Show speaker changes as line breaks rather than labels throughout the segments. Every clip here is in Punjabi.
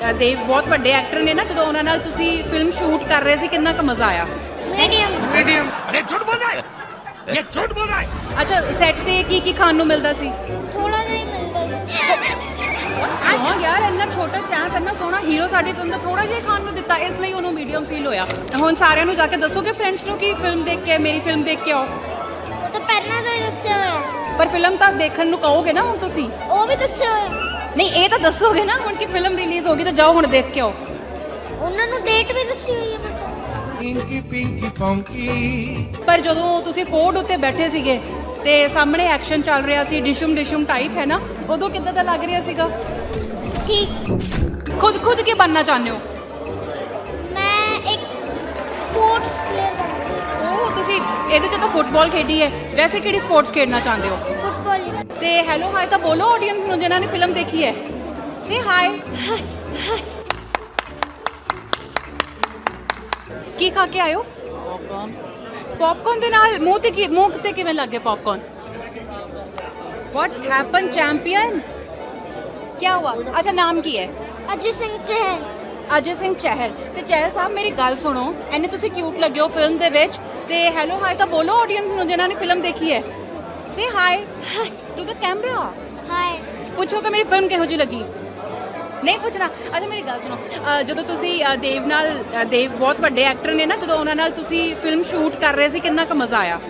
ਦੇਵ ਬਹੁਤ ਵੱਡੇ ਐਕਟਰ ਨੇ ਨਾ, ਜਦੋਂ ਉਹਨਾਂ ਨਾਲ ਤੁਸੀਂ ਫਿਲਮ ਸ਼ੂਟ ਕਰ ਰਹੇ ਸੀ ਕਿੰਨਾ ਕੁ ਮਜ਼ਾ ਆਇਆ?
मीडियम अरे झूठ बोल रहा है, ये झूठ बोल रहा है।
ਅੱਛਾ, ਸੈੱਟ ਤੇ ਕੀ ਖਾਣ ਨੂੰ ਮਿਲਦਾ ਸੀ?
थोड़ा नहीं मिलता
ਸੌਂ ਯਾਰ, ਇੰਨਾ ਛੋਟਾ ਚੈਂਪ, ਇੰਨਾ ਸੋਹਣਾ ਹੀਰੋ ਸਾਡੀ ਫਿਲਮ ਦਾ ਥੋੜਾ ਜਿਹਾ ਖਾਣ ਨੂੰ ਦਿੱਤਾ, ਇਸ ਲਈ ਉਹਨੂੰ ਮੀਡੀਅਮ ਫੀਲ ਹੋਇਆ। ਹੁਣ ਸਾਰਿਆਂ ਨੂੰ ਜਾ ਕੇ ਦੱਸੋਗੇ ਫਰੈਂਡਸ ਨੂੰ ਕਿ ਫਿਲਮ ਦੇਖ ਕੇ, ਮੇਰੀ ਫਿਲਮ ਦੇਖ ਕੇ ਆਓ।
वो तो पहना तो दस्या होया,
ਪਰ ਫਿਲਮ ਤਾਂ ਦੇਖਣ ਨੂੰ ਕਹੋਗੇ ਨਾ ਹੁਣ ਤੁਸੀਂ?
वो भी दस्या होया,
ਨਹੀਂ, ਇਹ ਤਾਂ ਦੱਸੋਗੇ ਨਾ ਹੁਣ ਕਿ ਫਿਲਮ ਰਿਲੀਜ਼ ਹੋ ਗਈ ਤਾਂ ਜਾਓ ਹੁਣ ਦੇਖ ਕੇ ਆਓ।
ਉਹਨਾਂ ਨੂੰ ਡੇਟ ਵੀ ਦੱਸੀ ਹੋਈ ਹੈ ਮਤਲਬ।
Inky Pinky Funky
ਪਰ ਜਦੋਂ ਤੁਸੀਂ ਫੋਰਡ ਉੱਤੇ ਬੈਠੇ ਸੀਗੇ ਤੇ ਸਾਹਮਣੇ ਐਕਸ਼ਨ ਚੱਲ ਰਿਹਾ ਸੀ, ਡਿਸ਼ਮ ਟਾਈਪ ਹੈ ਨਾ, ਉਦੋਂ ਕਿੱਦਾਂ ਦਾ ਲੱਗ ਰਿਹਾ ਸੀਗਾ?
ਠੀਕ।
ਖੁਦ ਕੀ ਬਣਨਾ ਚਾਹੁੰਦੇ ਹੋ?
ਮੈਂ ਇੱਕ ਸਪੋਰਟਸ ਪਲੇਅਰ ਬਣਨਾ।
ਉਹ ਤੁਸੀਂ ਇਹਦੇ ਚ ਤਾਂ ਫੁੱਟਬਾਲ ਖੇਡੀ ਹੈ, ਵੈਸੇ ਕਿਹੜੀ ਸਪੋਰਟਸ ਖੇਡਣਾ ਚਾਹੁੰਦੇ ਹੋ?
ਫੁੱਟਬਾਲ।
ਤੇ ਹੈਲੋ ਹਾਈ ਤਾਂ ਬੋਲੋ ਆਡੀਅנס ਨੂੰ ਜਿਨ੍ਹਾਂ ਨੇ ਫਿਲਮ ਦੇਖੀ ਹੈ। Say high. ਕੀ ਖਾ ਕੇ ਆਇਓ? ਪੌਪਕਾਰਨ ਦੇ ਨਾਲ ਮੂੰਹ ਤੇ ਕਿਵੇਂ ਲੱਗੇ ਪੌਪਕਾਰਨ? What happen champion? ਕੀ ਹੁਆ? ਅੱਛਾ, ਨਾਮ ਕੀ ਹੈ?
ਅਜੇ ਸਿੰਘ ਚਹਿਲ।
ਅਜੇ ਸਿੰਘ ਚਹਿਲ। ਤੇ ਚਹਿਲ ਸਾਹਿਬ ਮੇਰੀ ਗੱਲ ਸੁਣੋ, ਐਨੇ ਤੁਸੀਂ ਕਿਊਟ ਲੱਗੇ ਹੋ ਫਿਲਮ ਦੇ ਵਿੱਚ, ਤੇ ਹੈਲੋ ਹਾਈ ਤਾਂ ਬੋਲੋ ਆਡੀਅנס ਨੂੰ ਜਿਨ੍ਹਾਂ ਨੇ ਫਿਲਮ ਦੇਖੀ ਹੈ। Say hi to the camera.
ਹਾਏ।
ਪੁੱਛੋ ਕਿ ਮੇਰੀ ਫਿਲਮ ਕਿਹੋ ਜਿਹੀ ਲੱਗੀ? ਨਹੀਂ ਪੁੱਛਣਾ? ਅੱਛਾ, ਮੇਰੀ ਗੱਲ ਸੁਣੋ, ਜਦੋਂ ਤੁਸੀਂ ਦੇਵ ਬਹੁਤ ਵੱਡੇ ਐਕਟਰ ਨੇ ਨਾ, ਜਦੋਂ ਉਹਨਾਂ ਨਾਲ ਤੁਸੀਂ ਫਿਲਮ ਸ਼ੂਟ ਕਰ ਰਹੇ ਸੀ ਕਿੰਨਾ ਕੁ ਮਜ਼ਾ ਆਇਆ?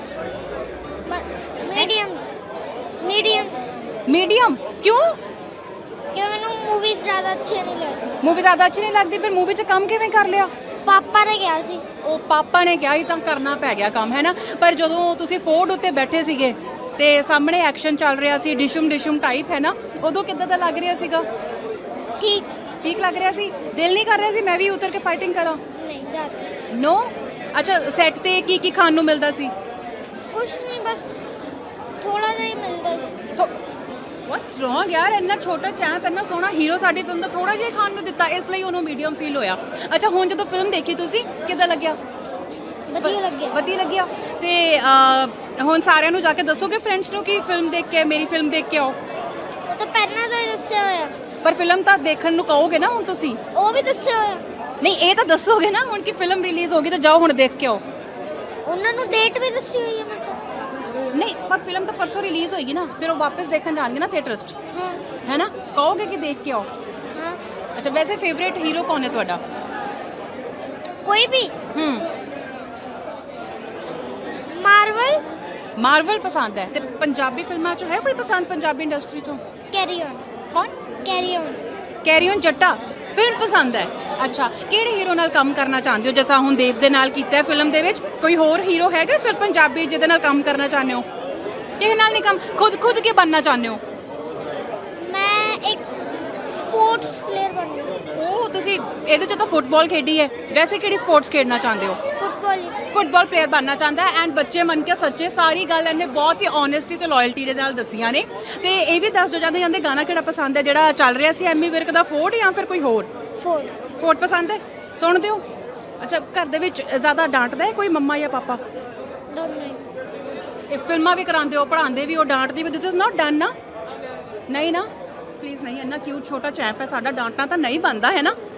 ਮੀਡੀਅਮ
ਮੀਡੀਅਮ ਕਿਉਂ?
ਕਿਉਂ ਮੈਨੂੰ ਮੂਵੀ ਜ਼ਿਆਦਾ ਅੱਛੀ ਨਹੀਂ ਲੱਗਦੀ।
ਮੂਵੀ ਜ਼ਿਆਦਾ ਅੱਛੀ ਨਹੀਂ ਲੱਗਦੀ? ਫਿਰ ਮੂਵੀ 'ਚ ਕੰਮ ਕਿਵੇਂ ਕਰ ਲਿਆ?
ਪਾਪਾ ਨੇ ਕਿਹਾ ਸੀ।
ਉਹ ਪਾਪਾ ਨੇ ਕਿਹਾ ਹੀ ਤਾਂ ਕਰਨਾ ਪੈ ਗਿਆ ਕੰਮ, ਹੈ ਨਾ। ਪਰ ਜਦੋਂ ਤੁਸੀਂ ਫੋਰਡ ਉੱਤੇ ਬੈਠੇ ਸੀਗੇ ਤੇ ਸਾਹਮਣੇ ਐਕਸ਼ਨ ਚੱਲ ਰਿਹਾ ਸੀ, ਡਿਸ਼ਮ ਟਾਈਪ ਹੈ ਨਾ, ਉਦੋਂ ਕਿੱਦਾਂ ਦਾ ਲੱਗ ਰਿਹਾ ਸੀਗਾ? ਠੀਕ ਲੱਗ ਰਿਹਾ ਸੀ? ਦਿਲ ਨਹੀਂ ਕਰ ਰਿਹਾ ਸੀ ਮੈਂ ਵੀ ਉਤਰ ਕੇ ਫਾਈਟਿੰਗ ਕਰਾਂ?
ਨਹੀਂ ਜ਼ਿਆਦਾ।
ਨੋ। ਅੱਛਾ, ਸੈੱਟ ਤੇ ਕੀ ਖਾਣ ਨੂੰ ਮਿਲਦਾ ਸੀ?
ਕੁਛ ਨਹੀਂ, ਬਸ ਥੋੜਾ ਜਿਹਾ ਹੀ ਮਿਲਦਾ ਸੀ।
ਵਾਟਸ ਰੋਂਗ ਯਾਰ, ਇੰਨਾ ਛੋਟਾ ਚੈਂਪ, ਇੰਨਾ ਸੋਹਣਾ ਹੀਰੋ ਸਾਡੀ ਫਿਲਮ ਦਾ ਥੋੜਾ ਜਿਹਾ ਖਾਣ ਨੂੰ ਦਿੱਤਾ, ਇਸ ਲਈ ਉਹਨੂੰ ਮੀਡੀਅਮ ਫੀਲ ਹੋਇਆ। ਅੱਛਾ, ਹੁਣ ਜਦੋਂ ਫਿਲਮ ਦੇਖੀ ਤੁਸੀਂ ਕਿੱਦਾਂ ਲੱਗਿਆ? ਵਧੀਆ ਲੱਗਿਆ। ਤੇ ਹੁਣ ਸਾਰਿਆਂ ਨੂੰ ਜਾ ਕੇ ਦੱਸੋਗੇ ਫਰੈਂਡਸ ਨੂੰ ਕਿ ਫਿਲਮ ਦੇਖ ਕੇ, ਮੇਰੀ ਫਿਲਮ ਦੇਖ ਕੇ ਆਓ।
ਉਹ ਤਾਂ ਪਹਿਨਾ ਤਾਂ ਦੱਸਿਆ ਹੋਇਆ,
ਪਰ ਫਿਲਮ ਤਾਂ ਦੇਖਣ ਨੂੰ ਕਹੋਗੇ ਨਾ ਹੁਣ ਤੁਸੀਂ?
ਉਹ ਵੀ ਦੱਸਿਆ ਹੋਇਆ।
ਨਹੀਂ, ਇਹ ਤਾਂ ਦੱਸੋਗੇ ਨਾ ਹੁਣ ਕਿ ਫਿਲਮ ਰਿਲੀਜ਼ ਹੋ ਗਈ ਤਾਂ ਜਾਓ ਹੁਣ ਦੇਖ ਕੇ ਆਓ।
ਉਹਨਾਂ ਨੂੰ ਡੇਟ ਵੀ ਦੱਸੀ ਹੋਈ ਹੈ ਮਤਲਬ।
ਨਹੀਂ, ਪਰ ਫਿਲਮ ਤਾਂ ਪਰਸੋਂ ਰਿਲੀਜ਼ ਹੋਏਗੀ ਨਾ, ਫਿਰ ਉਹ ਵਾਪਸ ਦੇਖਣ ਜਾਣਗੇ ਨਾ ਥੀਏਟਰਸ 'ਚ,
ਹਾਂ
ਹੈ ਨਾ। ਕਹੋਗੇ ਕਿ ਦੇਖ ਕੇ ਆਓ।
ਹਾਂ।
ਅੱਛਾ, ਵੈਸੇ ਫੇਵਰੇਟ ਹੀਰੋ ਕੌਣ ਹੈ ਤੁਹਾਡਾ?
ਕੋਈ ਵੀ।
ਮਾਰਵਲ ਪਸੰਦ ਹੈ। ਤੇ ਪੰਜਾਬੀ ਫਿਲਮਾਂ 'ਚੋਂ ਹੈ ਕੋਈ ਪਸੰਦ? ਪੰਜਾਬੀ ਇੰਡਸਟਰੀ 'ਚੋਂ
ਕੈਰੀ ਔਨ।
ਕੌਣ?
ਕੈਰੀ ਔਨ
ਜੱਟਾ ਫਿਲਮ ਪਸੰਦ ਹੈ। ਅੱਛਾ, ਕਿਹੜੇ ਹੀਰੋ ਨਾਲ ਕੰਮ ਕਰਨਾ ਚਾਹੁੰਦੇ ਹੋ? ਜਿਵੇਂ ਹੁਣ ਦੇਵ ਦੇ ਨਾਲ ਕੀਤਾ ਹੈ ਫਿਲਮ ਦੇ ਵਿੱਚ, ਕੋਈ ਹੋਰ ਹੀਰੋ ਹੈਗਾ ਫਿਰ ਪੰਜਾਬੀ ਜਿਹਦੇ ਨਾਲ ਕੰਮ ਕਰਨਾ ਚਾਹੁੰਦੇ ਹੋ? ਕਿਸੇ ਨਾਲ ਨਹੀਂ ਕੰਮ, ਖੁਦ ਕੀ ਬਣਨਾ ਚਾਹੁੰਦੇ ਹੋ?
ਮੈਂ ਇੱਕ ਸਪੋਰਟਸ ਪਲੇਅਰ ਬਣਨਾ।
ਉਹ ਤੁਸੀਂ ਇਹਦੇ 'ਚ ਤਾਂ ਫੁੱਟਬਾਲ ਖੇਡੀ ਹੈ, ਵੈਸੇ ਕਿਹੜੀ ਸਪੋਰਟਸ ਖੇਡਣਾ ਚਾਹੁੰਦੇ ਹੋ? ਫੁੱਟਬਾਲ ਪਲੇਅਰ ਬਣਨਾ ਚਾਹੁੰਦਾ ਹੈ। ਐਂਡ ਬੱਚੇ ਮਨ ਕੇ ਸੱਚੇ, ਸਾਰੀ ਗੱਲ ਇਹਨੇ ਬਹੁਤ ਹੀ ਓਨੈਸਟੀ ਤੇ ਲਾਇਲਟੀ ਦੇ ਨਾਲ ਦੱਸੀਆਂ ਨੇ। ਤੇ ਇਹ ਵੀ ਦੱਸ ਦੋ ਜਾਂਦੇ ਗਾਣਾ ਕਿਹੜਾ ਪਸੰਦ ਹੈ ਜਿਹੜਾ ਚੱਲ ਰਿਹਾ ਸੀ ਐਮੀ ਵਿਰਕ ਦਾ, ਫੋਰਡ ਜਾਂ ਫਿਰ ਕੋਈ ਹੋਰ? ਫੋਰਡ ਪਸੰਦ ਹੈ। ਸੁਣਦੇ ਹੋ? ਅੱਛਾ, ਘਰ ਦੇ ਵਿੱਚ ਜ਼ਿਆਦਾ ਡਾਂਟਦਾ ਹੈ ਕੋਈ, ਮੰਮਾ ਜਾਂ ਪਾਪਾ?
ਦੋਨੋਂ।
ਇਹ ਫਿਲਮਾਂ ਵੀ ਕਰਾਉਂਦੇ ਹੋ, ਪੜ੍ਹਾਉਂਦੇ ਵੀ ਹੋ, ਡਾਂਟਦੇ ਵੀ? ਦਿਸ ਇਜ਼ ਨਾਟ ਡਨ ਨਾ? ਨਹੀਂ ਨਾ, ਪਲੀਜ਼ ਨਹੀਂ। ਇੰਨਾ ਕਿਊਟ ਛੋਟਾ ਚੈਂਪ ਹੈ ਸਾਡਾ, ਡਾਂਟਣਾ ਤਾਂ ਨਹੀਂ ਬਣਦਾ, ਹੈ ਨਾ।